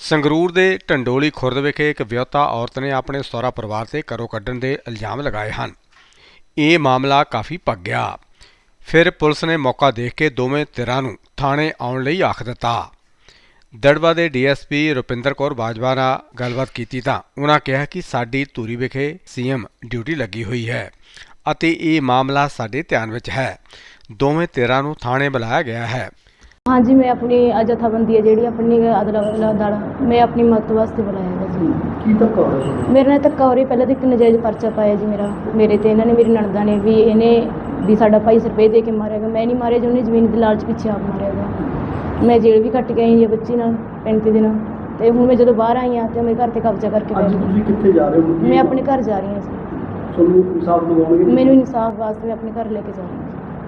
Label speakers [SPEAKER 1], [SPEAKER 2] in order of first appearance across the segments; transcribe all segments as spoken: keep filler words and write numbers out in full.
[SPEAKER 1] ਸੰਗਰੂਰ ਦੇ ਢੰਡੋਲੀ ਖੁਰਦ ਵਿਖੇ ਇੱਕ ਵਿਆਹੁਤਾ ਔਰਤ ਨੇ ਆਪਣੇ ਸਹੁਰਾ ਪਰਿਵਾਰ ਤੇ ਘਰੋਂ ਕੱਢਣ ਦੇ ਇਲਜ਼ਾਮ ਲਗਾਏ ਹਨ। ਇਹ ਮਾਮਲਾ ਕਾਫੀ ਭੱਗ ਗਿਆ। ਫਿਰ ਪੁਲਿਸ ਨੇ ਮੌਕਾ ਦੇਖ ਕੇ ਦੋਵੇਂ ਧਿਰਾਂ ਨੂੰ ਥਾਣੇ ਆਉਣ ਲਈ ਆਖ ਦਿੱਤਾ। ਦੜਬਾ ਦੇ D S P Rupinder Kaur Bajwa ਨਾਲ ਗੱਲਬਾਤ ਕੀਤੀ ਤਾਂ ਉਹਨਾਂ ਕਿਹਾ ਕਿ ਸਾਡੀ ਧੂਰੀ ਵਿਖੇ ਸੀ ਐਮ ਡਿਊਟੀ ਲੱਗੀ ਹੋਈ ਹੈ ਅਤੇ ਇਹ ਮਾਮਲਾ ਸਾਡੇ ਧਿਆਨ ਵਿੱਚ ਹੈ। ਦੋਵੇਂ ਧਿਰਾਂ ਨੂੰ ਥਾਣੇ ਬੁਲਾਇਆ ਗਿਆ ਹੈ।
[SPEAKER 2] हाँ जी, मैं अपनी जथाबंदी है जी अपनी अदला दाड़ा मैं अपनी मदद वास्ते बुलाया जी।
[SPEAKER 3] की धक्का हो रहा है?
[SPEAKER 2] मेरे नाल धक्का हो रही। पहले तो एक नजायज़ परचा पाया जी मेरा मेरे ते इन्होंने मेरी नणदा ने भी इन्हें भी साडा भाई रुपये दे के मारेगा। मैं नहीं मारे जो उन्हें जमीन के लालच पिछे आप मारेगा। मैं जेल भी कट के आई जी बच्ची नाल पैंती दिन तो हूँ मैं जो बाहर आई हाँ तो मेरे घर से कब्जा करके
[SPEAKER 3] कितने जा रहे हो?
[SPEAKER 2] मैं अपने घर जा रही हूँ जी। मैनू इंसाफ वास्ते मैं अपने घर लेके जा रही हूँ।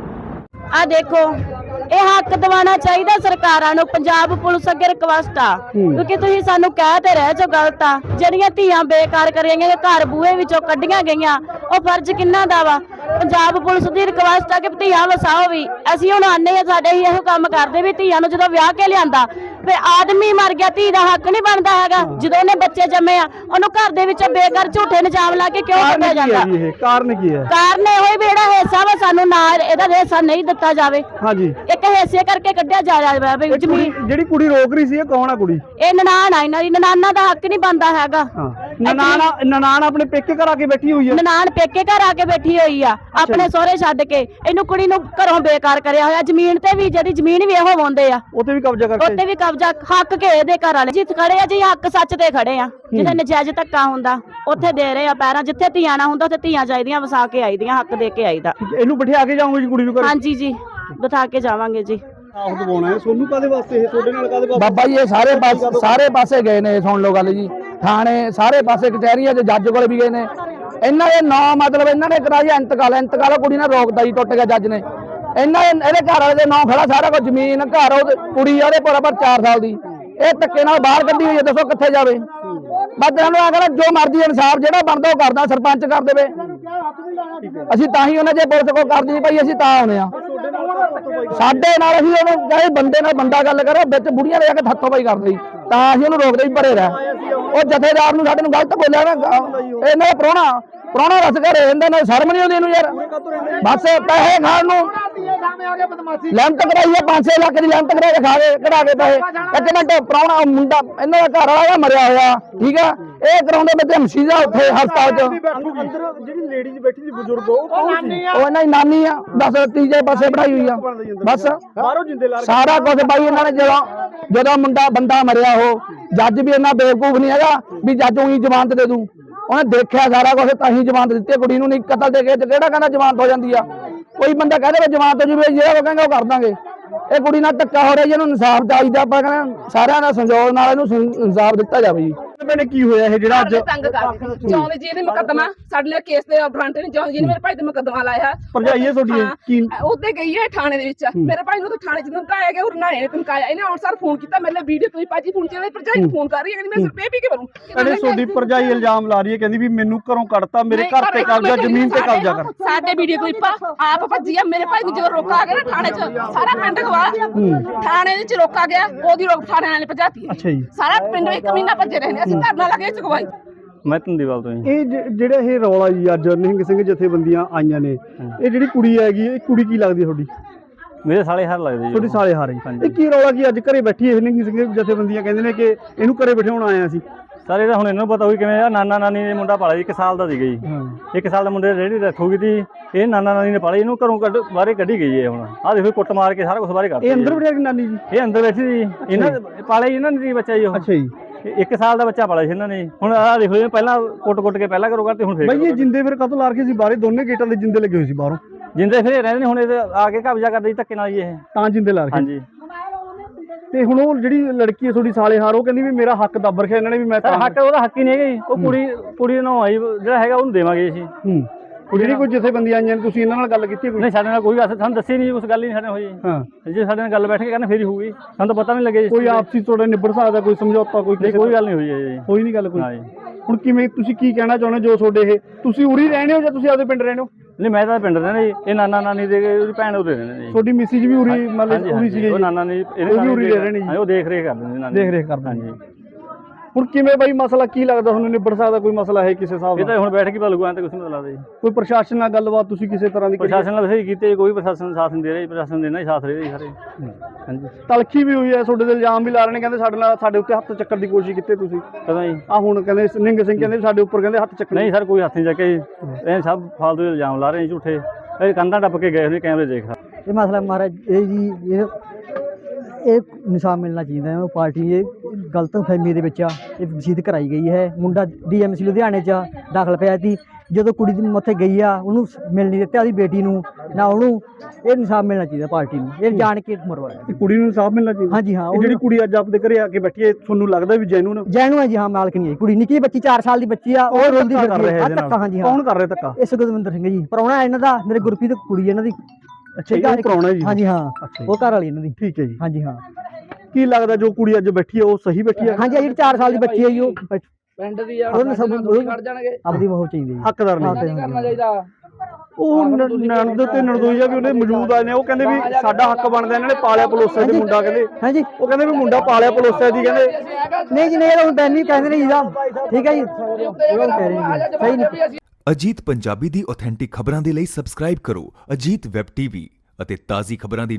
[SPEAKER 2] आ देखो ਇਹ ਹੱਕ ਦਿਵਾਉਣਾ ਚਾਹੀਦਾ ਸਰਕਾਰਾਂ ਨੂੰ। ਪੰਜਾਬ ਪੁਲਿਸ ਅੱਗੇ ਰਿਕਵੈਸਟ ਆ ਕਿਉਂਕਿ ਤੁਸੀਂ ਸਾਨੂੰ ਕਹਿ ਤੇ ਰਹੇ ਜੋ ਗਲਤ ਆ। ਜਿਹੜੀਆਂ ਧੀਆਂ ਬੇਕਾਰ ਕਰੀਆਂ ਗਈਆਂ ਘਰ ਬੂਹੇ ਵਿੱਚੋਂ ਕੱਢੀਆਂ ਗਈਆਂ ਉਹ ਫਰਜ਼ ਕਿੰਨਾ ਦਾ ਵਾ? ਪੰਜਾਬ ਪੁਲਿਸ ਦੀ ਰਿਕਵੈਸਟ ਆ ਕਿ ਧੀਆਂ ਵਸਾਓ ਵੀ। ਅਸੀਂ ਹੁਣ ਆਨੇ ਆ ਸਾਡੇ ਹੀ ਇਹੋ ਕੰਮ ਕਰਦੇ ਵੀ ਧੀਆਂ ਨੂੰ ਜਦੋਂ ਵਿਆਹ ਕੇ ਲਿਆਂਦਾ ਫਿਰ ਆਦਮੀ ਮਰ ਗਿਆ ਧੀ ਦਾ ਹੱਕ ਨਹੀਂ ਬਣਦਾ ਹੈਗਾ। ਜਦੋਂ ਉਹਨੇ ਬੱਚੇ ਜੰਮੇ ਆ ਉਹਨੂੰ ਘਰ ਦੇ ਵਿੱਚ ਬੇਕਾਰ ਝੂਠੇ ਇਲਜ਼ਾਮ ਲਾ ਕੇ ਕਿਉਂ ਕੱਢਿਆ ਜਾਂਦਾ?
[SPEAKER 3] ਕਾਰਨ ਕੀ ਹੈ?
[SPEAKER 2] ਕਾਰਨ ਇਹੋ ਹੀ ਵੀ ਜਿਹੜਾ ਹਿੱਸਾ ਵਾ ਸਾਨੂੰ ਨਾ ਇਹਦਾ ਹਿੱਸਾ ਨਹੀਂ ਦਿੱਤਾ ਜਾਵੇ।
[SPEAKER 3] ਹਾਂਜੀ,
[SPEAKER 2] ਇੱਕ ਹਿੱਸੇ ਕਰਕੇ ਕੱਢਿਆ ਜਾ ਰਿਹਾ ਵੀ ਜ਼ਮੀਨ।
[SPEAKER 3] ਜਿਹੜੀ ਕੁੜੀ ਰੋਕ ਰਹੀ ਸੀ ਇਹ ਕੌਣ ਆ ਕੁੜੀ?
[SPEAKER 2] ਇਹ ਨਨਾਣ ਆ ਇਹਨਾਂ ਦੀ। ਨਨਾਣਾ ਦਾ ਹੱਕ ਨਹੀਂ ਬਣਦਾ ਹੈਗਾ।
[SPEAKER 3] ਨਨਾਣ ਨਨਾਣ ਆਪਣੇ ਪੇਕੇ ਘਰ ਆ ਕੇ ਬੈਠੀ ਹੋਈ ਹੈ।
[SPEAKER 2] ਨਨਾਣ ਪੇਕੇ ਘਰ ਆ ਕੇ ਬੈਠੀ ਹੋਈ ਆ ਆਪਣੇ ਸਹੁਰੇ ਛੱਡ ਕੇ। ਇਹਨੂੰ ਕੁੜੀ ਨੂੰ ਘਰੋਂ ਬੇਕਾਰ ਕਰਿਆ ਹੋਇਆ। ਜ਼ਮੀਨ ਤੇ ਵੀ ਜਿਹੜੀ ਜ਼ਮੀਨ ਵੀ ਇਹੋ ਵਾਉਂਦੇ ਆ
[SPEAKER 3] ਉੱਥੇ ਵੀ ਕਬਜ਼ਾ ਕਰਕੇ
[SPEAKER 2] ਉੱਥੇ ਵੀ ਕਬਜ਼ਾ ਹੱਕ ਕੇ ਇਹਦੇ ਘਰ ਵਾਲੇ ਜਿੱਤ ਖੜੇ ਆ ਜੀ। ਹੱਕ ਸੱਚ ਤੇ ਖੜੇ ਆ। ਜਿੱਥੇ ਨਜਾਇਜ਼ ਧੱਕਾ ਹੁੰਦਾ ਉੱਥੇ ਦੇ ਰਹੇ ਆ ਪੈਰਾਂ। ਜਿੱਥੇ ਧੀਆਂ ਨਾ ਹੁੰਦਾ ਉੱਥੇ ਧੀਆਂ ਚਾਹੀਦੀਆਂ ਵਸਾ ਕੇ ਆਈਦੀਆਂ ਹੱਕ ਦੇ ਕੇ ਆਈਦਾ।
[SPEAKER 3] ਇਹਨੂੰ ਬਿਠਾ ਕੇ ਜਾਓਗੇ ਜੀ ਕੁੜੀ ਨੂੰ ਘਰੇ?
[SPEAKER 2] ਹਾਂਜੀ ਜੀ, ਬਿਠਾ ਕੇ ਜਾਵਾਂਗੇ ਜੀ।
[SPEAKER 3] ਆਹ ਦਵਾਉਣਾ ਹੈ ਸੋਨੂੰ ਕਾਦੇ ਵਾਸਤੇ? ਇਹ ਤੁਹਾਡੇ ਨਾਲ ਕਾਦੇ ਵਾਸਤੇ?
[SPEAKER 4] ਬਾਬਾ ਜੀ ਇਹ ਸਾਰੇ ਪਾਸੇ ਸਾਰੇ ਪਾਸੇ ਗਏ ਨੇ। ਸੁਣ ਲਓ ਗੱਲ ਜੀ, ਥਾਣੇ ਸਾਰੇ ਪਾਸੇ ਕਚਹਿਰੀਆਂ 'ਚ ਜੱਜ ਕੋਲ ਵੀ ਗਏ ਨੇ। ਇਹਨਾਂ ਦੇ ਨਾਂ ਮਤਲਬ ਇਹਨਾਂ ਨੇ ਕਰਾਇਆ ਇੰਤਕਾਲ। ਇੰਤਕਾਲ ਕੁੜੀ ਨਾਲ ਰੋਕਦਾ ਜੀ, ਟੁੱਟ ਗਿਆ ਜੱਜ ਨੇ। ਇਹਨਾਂ ਇਹਦੇ ਘਰ ਵਾਲੇ ਦੇ ਨਾਂ ਖੜਾ ਸਾਰਾ ਕੁਝ, ਜ਼ਮੀਨ ਘਰ ਉਹ ਕੁੜੀ ਉਹਦੇ ਬਰਾਬਰ ਚਾਰ ਸਾਲ ਦੀ। ਇਹ ਧੱਕੇ ਨਾਲ ਬਾਹਰ ਕੱਢੀ ਹੋਈ ਹੈ। ਦੱਸੋ ਕਿੱਥੇ ਜਾਵੇ? ਬਸ ਇਹਨਾਂ ਨੂੰ ਆ ਕਹਿੰਦਾ ਜੋ ਮਰਜ਼ੀ ਇਨਸਾਫ ਜਿਹੜਾ ਬਣਦਾ ਉਹ ਕਰਦਾ। ਸਰਪੰਚ ਕਰ ਦੇਵੇ। ਅਸੀਂ ਤਾਂ ਹੀ ਉਹਨਾਂ ਜੇ ਪੁਲਿਸ ਕੋਲ ਕਰਦੀ ਨਹੀਂ ਭਾਈ ਅਸੀਂ ਤਾਂ ਆਉਣੇ ਆ। ਸਾਡੇ ਨਾਲ ਅਸੀਂ ਉਹਨੂੰ ਕਹੇ ਬੰਦੇ ਨਾਲ ਬੰਦਾ ਗੱਲ ਕਰੋ, ਵਿੱਚ ਬੁੜੀਆਂ ਲੈ ਕੇ ਹੱਥੋਂ ਪਾਈ ਕਰਦੇ ਤਾਂ ਅਸੀਂ ਉਹਨੂੰ ਰੋਕਦੇ ਹੀ ਭਰੇ ਰਹਿ। ਉਹ ਜਥੇਦਾਰ ਨੂੰ ਸਾਡੇ ਨੂੰ ਗਲਤ ਬੋਲਿਆ ਨਾ ਇਹਨਾਂ ਦਾ ਪ੍ਰਾਹੁਣਾ ਪ੍ਰਾਹੁਣਾ ਰਸ ਘਰੇ ਰਹਿੰਦਾ ਨਾ। ਸ਼ਰਮ ਨਹੀਂ ਆਉਂਦੀ ਇਹਨੂੰ ਯਾਰ। ਬਸ ਪੈਸੇ ਖਾਣ ਨੂੰ ਲਿਮਟ ਕਰਾਈ ਹੈ ਪੰਜ ਛੇ ਲੱਖ ਦੀ ਲਿਮਟ ਕਰਾ ਕੇ ਖਾ ਕੇ ਕਢਾ ਕੇ ਪੈਸੇ। ਇੱਕ ਮਿੰਟ ਪ੍ਰਾਹੁਣਾ ਮੁੰਡਾ ਇਹਨਾਂ ਦਾ ਘਰ ਵਾਲਾ ਮਰਿਆ ਹੋਇਆ ਠੀਕ ਆ। ਇਹ ਕਰਾਉਂਦੇ ਬੱਚੇ ਮਸੀਦਾ ਉੱਥੇ ਹਸਪਤਾਲ 'ਚ।
[SPEAKER 3] ਜਿਹੜੀ ਲੇਡੀ ਬੈਠੀ ਸੀ ਬਜ਼ੁਰਗ ਉਹ ਕੌਣ ਸੀ?
[SPEAKER 4] ਉਹ ਇਹਨਾਂ ਦੀ ਨਾਨੀ ਆ। ਬਸ ਤੀਜੇ ਪਾਸੇ ਬਣਾਈ ਹੋਈ ਆ। ਬਸ
[SPEAKER 3] ਬਾਹਰੋਂ ਜਿੰਦੇ ਲਾ
[SPEAKER 4] ਸਾਰਾ ਕੁਝ ਬਾਈ ਇਹਨਾਂ ਨੇ ਜਦੋਂ ਜਦੋਂ ਮੁੰਡਾ ਬੰਦਾ ਮਰਿਆ ਉਹ ਜੱਜ ਵੀ ਇੰਨਾ ਬੇਵਕੂਫ ਨਹੀਂ ਹੈਗਾ ਵੀ ਜੱਜ ਉਹੀ ਜ਼ਮਾਨਤ ਦੇ ਦੂ। ਉਹਨੇ ਦੇਖਿਆ ਸਾਰਾ ਕੁਝ ਤਾਂ ਹੀ ਜ਼ਮਾਨਤ ਦਿੱਤੀ ਕੁੜੀ ਨੂੰ। ਨਹੀਂ ਕਤਲ ਦੇ ਕੇ ਕਿਹੜਾ ਕਹਿੰਦਾ ਜ਼ਮਾਨਤ ਹੋ ਜਾਂਦੀ ਆ? ਕੋਈ ਬੰਦਾ ਕਹਦੇ ਵੀ ਜ਼ਮਾਨਤ ਹੋ ਜੂਵੇ ਜਿਹੜਾ ਉਹ ਕਹਿੰਦਾ ਉਹ ਕਰ ਦਾਂਗੇ। ਇਹ ਕੁੜੀ ਨਾਲ ਧੱਕਾ ਹੋ ਰਿਹਾ ਜੀ। ਇਹਨੂੰ ਇਨਸਾਫ ਚਾਹੀਦਾ। ਆਪਾਂ ਕਹਿੰਦੇ ਸਾਰਿਆਂ ਦਾ ਸੰਯੋਗ ਨਾਲ ਇਹਨੂੰ ਇਨਸਾਫ ਦਿੱਤਾ ਜਾਵੇ ਜੀ।
[SPEAKER 3] ਮੈਨੇ ਕੀ ਹੋਇਆ ਇਹ ਜਿਹੜਾ ਅੱਜ
[SPEAKER 5] ਤੰਗ ਕਰਦੇ ਜੌਂਦ ਜੀ ਨੇ ਮੁਕੱਦਮਾ ਸਾਡੇ ਲਈ ਕੇਸ ਦੇ ਫਰੰਟ ਨੇ ਜੌਂਦ ਜੀ ਨੇ ਮੇਰੇ ਭਾਈ ਤੇ ਮੁਕੱਦਮਾ ਲਾਇਆ।
[SPEAKER 3] ਭਰਜਾਈਏ ਤੁਹਾਡੀ ਕੀ
[SPEAKER 5] ਉੱਤੇ ਗਈ ਹੈ ਥਾਣੇ ਦੇ ਵਿੱਚ। ਮੇਰੇ ਭਾਈ ਨੂੰ ਤਾਂ ਥਾਣੇ ਚ ਧਮਕਾਇਆ ਗਿਆ। ਉਹ ਨਾਲੇ ਨੇ ਧਮਕਾਇਆ। ਇਹਨੇ ਹੁਣ ਸਰ ਫੋਨ ਕੀਤਾ ਮੇਰੇ ਲਈ ਵੀਡੀਓ ਤੁਸੀਂ ਭਾਜੀ ਫੋਨ ਚ ਭਰਜਾਈ ਨੂੰ ਫੋਨ ਕਰ ਰਹੀ ਹੈ। ਕਹਿੰਦੀ ਮੈਂ ਸਿਰ ਪੇ ਪੀ ਕੇ ਮਰੂੰ।
[SPEAKER 3] ਕਹਿੰਦੇ ਤੁਹਾਡੀ ਭਰਜਾਈ ਇਲਜ਼ਾਮ ਲਾ ਰਹੀ ਹੈ। ਕਹਿੰਦੀ ਵੀ ਮੈਨੂੰ ਘਰੋਂ ਕੱਢਤਾ, ਮੇਰੇ ਘਰ ਤੇ ਕਬਜ਼ਾ, ਜ਼ਮੀਨ ਤੇ ਕਬਜ਼ਾ ਕਰ।
[SPEAKER 5] ਸਾਡੇ ਵੀਡੀਓ ਕੋਈ ਆਪ ਭੱਜੀ ਆ। ਮੇਰੇ ਭਾਈ ਨੂੰ ਜਦੋਂ ਰੋਕਾ ਗਿਆ ਨਾ ਥਾਣੇ ਚ ਸਾਰਾ ਪਿੰਡ ਗਵਾ ਥਾਣੇ ਵਿੱਚ ਰੋਕਾ ਗਿਆ। ਉਹਦੀ ਰੋਕ ਥਾਣੇ ਵਾਲੇ ਭਜਾਤੀ।
[SPEAKER 3] ਅੱਛਾ ਜੀ।
[SPEAKER 5] ਸਾਰਾ ਪਿੰਡ ਇੱਕ ਮਹੀਨਾ ਭੱਜੇ ਰਹੇ ਨੇ। ਅਸੀਂ ਧਰਨਾ ਲੱਗੇ ਚੁਕਵਾਈ।
[SPEAKER 6] ਮੈਂ ਤੰਦੀਵਾਲ ਤੋਂ ਜੀ।
[SPEAKER 3] ਇਹ ਜਿਹੜਾ ਇਹ ਰੌਲਾ ਜੀ ਅੱਜ ਨਿਹੰਗ ਸਿੰਘ ਜਥੇਬੰਦੀਆਂ ਆਈਆਂ ਨੇ, ਇਹ ਜਿਹੜੀ ਕੁੜੀ ਹੈਗੀ ਇਹ ਕੁੜੀ ਕੀ ਲੱਗਦੀ ਤੁਹਾਡੀ?
[SPEAKER 6] ਮੇਰੇ ਸਾਲੇ ਹਾਰ ਲੱਗਦੇ ਜੀ।
[SPEAKER 3] ਤੁਹਾਡੀ ਸਾਲੇ ਹਾਰ ਜੀ। ਇਹ ਕੀ ਰੌਲਾ ਕੀ ਅੱਜ ਘਰੇ ਬੈਠੀ ਇਹ ਨਿਹੰਗ ਸਿੰਘ ਜਥੇਬੰਦੀਆਂ ਕਹਿੰਦੇ ਨੇ ਕਿ ਇਹਨੂੰ ਘਰੇ ਬਿਠਾਉਣ ਆਇਆ ਸੀ?
[SPEAKER 6] ਸਾਰੇ ਤਾਂ ਹੁਣ ਇਹਨਾਂ ਨੂੰ ਪਤਾ ਹੋਈ ਕਿਵੇਂ ਆ। ਨਾਨਾ ਨਾਨੀ ਨੇ ਮੁੰਡਾ ਪਾਲਿਆ ਜੀ, ਇੱਕ ਸਾਲ ਦਾ ਸੀਗਾ ਜੀ। ਇੱਕ ਸਾਲ ਦਾ ਮੁੰਡੇ ਰੇਹੜੀ ਰੱਖੂਗੀ ਤੀ। ਇਹ ਨਾਨਾ ਨਾਨੀ ਨੇ ਪਾਲਿਆ। ਇਹਨੂੰ ਘਰੋਂ ਕੱਢ ਬਾਹਰੇ ਕੱਢੀ ਗਈ ਹੈ। ਹੁਣ ਆਹ ਦੇਖੋ ਕੁੱਟ ਮਾਰ ਕੇ ਸਾਰਾ ਕੁਝ ਬਾਹਰੇ ਕੱਢ।
[SPEAKER 3] ਇਹ ਅੰਦਰ ਬਿਠਾ ਕੇ ਨਾਨੀ ਜੀ?
[SPEAKER 6] ਇਹ ਅੰਦਰ ਬੈਠੀ ਸੀ। ਇਹਨਾਂ ਪਾਲਿਆ ਜੀ ਇਹਨਾਂ ਨੇ ਬੱਚਾ ਜੀ ਉਹ।
[SPEAKER 3] ਅੱਛਾ ਜੀ।
[SPEAKER 6] ਇੱਕ ਸਾਲ ਦਾ ਬੱਚਾ ਪਾਲਿਆ ਸੀ ਇਹਨਾਂ ਨੇ। ਹੁਣ ਆਹ ਦੇਖੋ ਜੀ ਪਹਿਲਾਂ ਕੁੱਟ ਕੁੱਟ ਕੇ ਪਹਿਲਾਂ ਘਰੋਂ ਕੱਢਤੇ ਹੁਣ ਫੇਰ।
[SPEAKER 3] ਬਾਈ ਇਹ ਜਿੰਦੇ ਫਿਰ ਕਦੋਂ ਲਾ ਕੇ ਸੀ ਬਾਹਰੇ? ਦੋਨੇ ਗੇਟਾਂ ਦੇ ਜਿੰਦੇ ਲੱਗੇ ਹੋਏ ਸੀ ਬਾਹਰੋਂ।
[SPEAKER 6] ਜਿੰਦੇ ਫਿਰ ਰਹਿੰਦੇ ਨੇ ਹੁਣ ਇਹ ਆ ਕੇ ਕਬਜ਼ਾ ਕਰਦੇ ਜੀ ਧੱਕੇ ਨਾਲ ਜੀ ਇਹ
[SPEAKER 3] ਤਾਂ ਜਿੰਦੇ ਲਾ ਕੇ।
[SPEAKER 6] ਹਾਂਜੀ।
[SPEAKER 3] ਤੇ ਹੁਣ ਉਹ ਜਿਹੜੀ ਲੜਕੀ ਹੈ ਤੁਹਾਡੀ ਸਾਲੇ ਹਾਰ ਉਹ ਕਹਿੰਦੀ ਵੀ ਮੇਰਾ ਹੱਕ ਦੱਬ ਰੱਖਿਆ ਇਹਨਾਂ ਨੇ ਵੀ ਮੈਂ
[SPEAKER 6] ਹੱਕ ਉਹਦਾ ਹੱਕ ਹੀ ਨਹੀਂ ਹੈਗਾ ਜੀ। ਉਹ ਕੁੜੀ ਕੁੜੀ ਨੂੰ ਆਈ ਜਿਹੜਾ ਹੈਗਾ ਉਹਨੂੰ ਦੇਵਾਂਗੇ ਅਸੀਂ।
[SPEAKER 3] ਹੂੰ ਜਿਹੜੀ ਕੋਈ ਜਥੇਬੰਦੀਆਂ ਆਈਆਂ ਨੇ ਤੁਸੀਂ ਇਹਨਾਂ ਨਾਲ ਗੱਲ ਕੀਤੀ ਕੋਈ?
[SPEAKER 6] ਨਹੀਂ ਸਾਡੇ ਨਾਲ ਕੋਈ ਗੱਲ ਸਾਨੂੰ ਦੱਸੀ ਨਹੀਂ। ਉਸ ਗੱਲ ਹੀ ਨਹੀਂ ਸਾਡੇ ਹੋਈ।
[SPEAKER 3] ਹਾਂ
[SPEAKER 6] ਜੇ ਸਾਡੇ ਨਾਲ ਗੱਲ ਬੈਠ ਕੇ ਕਰਨ ਫੇਰ ਹੀ ਹੋਊਗੀ। ਸਾਨੂੰ ਤਾਂ ਪਤਾ ਨਹੀਂ ਲੱਗਿਆ ਜੀ।
[SPEAKER 3] ਕੋਈ ਆਪਸੀ ਤੁਹਾਡਾ ਨਿਬੜ ਸਕਦਾ ਕੋਈ ਸਮਝੌਤਾ ਕੋਈ?
[SPEAKER 6] ਕੋਈ ਗੱਲ ਨਹੀਂ ਹੋਈ ਹੈ ਜੀ।
[SPEAKER 3] ਹੋਈ ਨਹੀਂ ਗੱਲ ਕੋਈ?
[SPEAKER 6] ਹਾਂ ਜੀ।
[SPEAKER 3] ਹੁਣ ਕਿਵੇਂ ਤੁਸੀਂ ਕੀ ਕਹਿਣਾ ਚਾਹੁੰਦੇ ਜੋ ਤੁਹਾਡੇ ਇਹ ਤੁਸੀਂ ਉਰੀ ਰਹਿੰਦੇ ਹੋ ਜਾਂ ਤੁਸੀਂ ਆਪਦੇ ਪਿੰਡ ਰਹਿੰਦੇ ਹੋ?
[SPEAKER 6] ਨਹੀਂ ਮੈਂ ਤਾਂ ਪਿੰਡ ਰਹਿੰਦਾ ਜੀ। ਇਹ ਨਾਨਾ ਨਾਨੀ ਦੇ ਉਹਦੀ ਭੈਣ ਉਹਦੇ ਰਹਿੰਦੇ ਨੇ ਜੀ।
[SPEAKER 3] ਤੁਹਾਡੀ ਮਿਸਿਜ ਵੀ ਉਰੀ ਮਤਲਬ ਉਰੀ ਸੀਗੇ?
[SPEAKER 6] ਉਹ ਨਾਨਾ ਨੇ
[SPEAKER 3] ਉਹ ਵੀ ਉਰੀ ਰਹਿ ਰਹੇ ਨੇ ਜੀ।
[SPEAKER 6] ਉਹ ਦੇਖ ਰੇਖ ਕਰਦੇ ਨੇ।
[SPEAKER 3] ਦੇਖ ਰੇਖ ਕਰਦੇ।
[SPEAKER 6] ਹਾਂਜੀ।
[SPEAKER 3] ਹੁਣ ਕਿਵੇਂ ਬਾਈ ਮਸਲਾ ਕੀ ਲੱਗਦਾ ਤੁਹਾਨੂੰ ਨਿਬੜ ਸਕਦਾ ਕੋਈ ਮਸਲਾ ਹੈ ਕਿਸੇ ਹਿਸਾਬ
[SPEAKER 6] ਇਹ ਤਾਂ
[SPEAKER 3] ਨਾਲ?
[SPEAKER 6] ਹੁਣ ਬੈਠ ਕੇ ਪਤਾ ਲੱਗੂ, ਐਂ ਤਾਂ ਕੁਛ ਨਹੀਂ ਪਤਾ ਲੱਗਦਾ ਜੀ।
[SPEAKER 3] ਕੋਈ ਪ੍ਰਸ਼ਾਸਨ ਨਾਲ ਗੱਲਬਾਤ ਤੁਸੀਂ ਕਿਸੇ ਤਰ੍ਹਾਂ ਦੀ ਕਰੀ?
[SPEAKER 6] ਪ੍ਰਸ਼ਾਸਨ ਨਾਲ ਵੈਸੇ ਕੀਤੇ, ਕੋਈ ਪ੍ਰਸ਼ਾਸਨ ਸਾਥ ਨਹੀਂ ਦੇ ਰਿਹਾ ਜੀ। ਪ੍ਰਸ਼ਾਸਨ ਦੇਣਾ ਹੀ ਸਾਥ ਦੇ ਰਿਹਾ ਜੀ ਸਾਰੇ। ਹਾਂਜੀ।
[SPEAKER 3] ਤਲਖੀ ਵੀ ਹੋਈ ਹੈ, ਤੁਹਾਡੇ ਤੇ ਇਲਜ਼ਾਮ ਵੀ ਲਾ ਰਹੇ ਨੇ, ਕਹਿੰਦੇ ਸਾਡੇ ਨਾਲ ਸਾਡੇ ਉੱਤੇ ਹੱਥ ਚੱਕਣ ਦੀ ਕੋਸ਼ਿਸ਼ ਕੀਤੀ ਤੁਸੀਂ।
[SPEAKER 6] ਕਦੋਂ ਜੀ?
[SPEAKER 3] ਆ ਹੁਣ ਕਹਿੰਦੇ ਨਿੰਗ ਸਿੰਘ ਕਹਿੰਦੇ ਸਾਡੇ ਉੱਪਰ ਕਹਿੰਦੇ ਹੱਥ ਚੱਕਣ।
[SPEAKER 6] ਨਹੀਂ ਸਰ, ਕੋਈ ਹੱਥ ਨਹੀਂ ਚੱਕੇ ਜੀ। ਇਹ ਸਭ ਫਾਲਤੂ ਦੇ ਇਲਜ਼ਾਮ ਲਾ ਰਹੇ ਜੀ ਝੂਠੇ। ਇਹ ਕੰਧਾਂ ਟੱਪ ਕੇ ਗਏ ਹੋਏ ਕੈਮਰੇ ਦੇਖ।
[SPEAKER 7] ਇਹ ਮਸਲਾ ਮਹਾਰਾਜ ਇਹ ਜੀ ਇਹ ਇਹ ਇਨਸਾਫ ਮਿਲਣਾ ਚਾਹੀਦਾ ਹੈ। ਉਹ ਪਾਰਟੀ ਇਹ ਗਲਤ ਫਹਿਮੀ ਦੇ ਵਿੱਚ ਆ ਇਹ ਵਸੀਅਤ ਕਰਾਈ ਗਈ ਹੈ। ਮੁੰਡਾ ਡੀਐਮਸੀ ਲੁਧਿਆਣੇ 'ਚ ਦਾਖਲ ਪਿਆ ਸੀ। ਜਦੋਂ ਕੁੜੀ ਦੀ ਉੱਥੇ ਗਈ ਆ ਉਹਨੂੰ ਮਿਲ ਨਹੀਂ ਦਿੱਤਾ, ਉਹਦੀ ਬੇਟੀ ਨੂੰ ਨਾ ਉਹਨੂੰ। ਇਹ ਇਨਸਾਫ ਮਿਲਣਾ ਚਾਹੀਦਾ ਪਾਰਟੀ ਨੂੰ, ਇਹ ਜਾਣ ਕੇ ਮਰਵਾਇਆ।
[SPEAKER 3] ਇਹ ਕੁੜੀ ਨੂੰ ਇਨਸਾਫ ਮਿਲਣਾ ਚਾਹੀਦਾ।
[SPEAKER 7] ਹਾਂਜੀ ਹਾਂ,
[SPEAKER 3] ਇਹ ਜਿਹੜੀ ਕੁੜੀ ਅੱਜ ਆਪਦੇ ਘਰੇ ਆ ਕੇ ਬੈਠੀ ਹੈ, ਤੁਹਾਨੂੰ ਲੱਗਦਾ ਵੀ ਜੈਨੂਨ
[SPEAKER 7] ਜੈਨੂ ਹੈ ਜੀ। ਹਾਂ, ਮਾਲਕ ਨਹੀਂ ਹੈ ਕੁੜੀ, ਨਿੱਕੀ ਬੱਚੀ ਚਾਰ ਸਾਲ ਦੀ ਬੱਚੀ ਆ, ਉਹ ਰੋਂਦੀ
[SPEAKER 3] ਕਰ
[SPEAKER 7] ਫਿਰਦੀ
[SPEAKER 3] ਰਿਹਾ
[SPEAKER 7] ਆ।
[SPEAKER 3] ਇਹਦੇ
[SPEAKER 7] ਧੱਕਾ,
[SPEAKER 3] ਨਾਲ?
[SPEAKER 7] ਹਾਂਜੀ ਹਾਂ।
[SPEAKER 3] ਕੌਣ ਕਰ ਰਿਹਾ ਧੱਕਾ?
[SPEAKER 7] ਇਹ ਸੁਖਵਿੰਦਰ ਸਿੰਘ ਜੀ, ਪ੍ਰਾਹੁਣਾ ਇਹਨਾਂ ਦਾ, ਮੇਰੇ ਗੁਰਪ੍ਰੀਤ ਕੁੜੀ ਇਹਨਾਂ ਦੀ।
[SPEAKER 3] ਅੱਛਾ ਜੀ, ਉਹ ਪ੍ਰਾਹੁਣਾ ਜੀ।
[SPEAKER 7] ਹਾਂਜੀ ਹਾਂ,
[SPEAKER 3] ਅੱਛਾ ਜੀ।
[SPEAKER 7] ਉਹ ਘਰ ਵਾਲੀ ਇਹਨਾਂ ਦੀ।
[SPEAKER 3] ਠੀਕ ਹੈ ਜੀ।
[SPEAKER 7] ਹਾਂਜੀ ਹਾਂ।
[SPEAKER 3] ਕੀ ਲੱਗਦਾ ਜੋ ਕੁੜੀ ਅੱਜ ਬੈਠੀ ਹੈ ਉਹ ਸਹੀ ਬੈਠੀ ਹੈ?
[SPEAKER 7] ਹਾਂਜੀ, ਜਿਹੜੀ ਚਾਰ ਸਾਲ ਦੀ ਬੱਚੀ ਹੈ ਜੀ, ਉਹ ਬੈਠ-
[SPEAKER 4] ਪਿੰਡ ਦੀ ਆ,
[SPEAKER 7] ਉਹਨੂੰ ਸਭ
[SPEAKER 4] ਥੋੜ੍ਹੀ ਖੜ ਜਾਣਗੇ।
[SPEAKER 7] ਆਪਦੀ ਮੋਹ ਚਾਹੀਦੀ ਜੀ।
[SPEAKER 3] ਹੱਕਦਾਰ
[SPEAKER 7] ਹਾਂ,
[SPEAKER 3] ਨਹੀਂ
[SPEAKER 7] ਤੇ
[SPEAKER 4] ਕਰਨਾ ਚਾਹੀਦਾ।
[SPEAKER 3] ਉਹ ਨਣਦ ਤੇ ਨਣਦੋਈਆ ਵੀ ਉਹਨੇ ਮੌਜੂਦ ਆਏ ਨੇ, ਉਹ ਕਹਿੰਦੇ ਵੀ ਸਾਡਾ ਹੱਕ ਬਣਦਾ, ਇਹਨਾਂ ਨੇ ਪਾਲਿਆ ਪਲੋਸਿਆ ਤੇ ਮੁੰਡਾ ਕਹਿੰਦੇ।
[SPEAKER 7] ਹਾਂਜੀ,
[SPEAKER 3] ਉਹ ਕਹਿੰਦੇ ਵੀ ਮੁੰਡਾ ਪਾਲਿਆ ਪਲੋਸਿਆ ਦੀ ਕਹਿੰਦੇ।
[SPEAKER 7] ਨਹੀਂ ਜੀ, ਨਹੀਂ, ਇਹ ਹੁਣ ਬੈਨੀ ਕਹਿੰਦੇ ਨੇ ਜੀ ਦਾ। ਠੀਕ ਹੈ ਜੀ, ਉਹ ਕਹਿ ਰਹੇ ਨੇ ਸਹੀ ਨਹੀਂ।
[SPEAKER 8] ਅਜੀਤ ਪੰਜਾਬੀ ਦੀ ਆਥੈਂਟਿਕ ਖਬਰਾਂ ਦੇ ਲਈ ਸਬਸਕ੍ਰਾਈਬ ਕਰੋ ਅਜੀਤ ਵੈਬ ਟੀਵੀ ਅਤੇ ਤਾਜ਼ੀ ਖਬਰਾਂ ਦੀ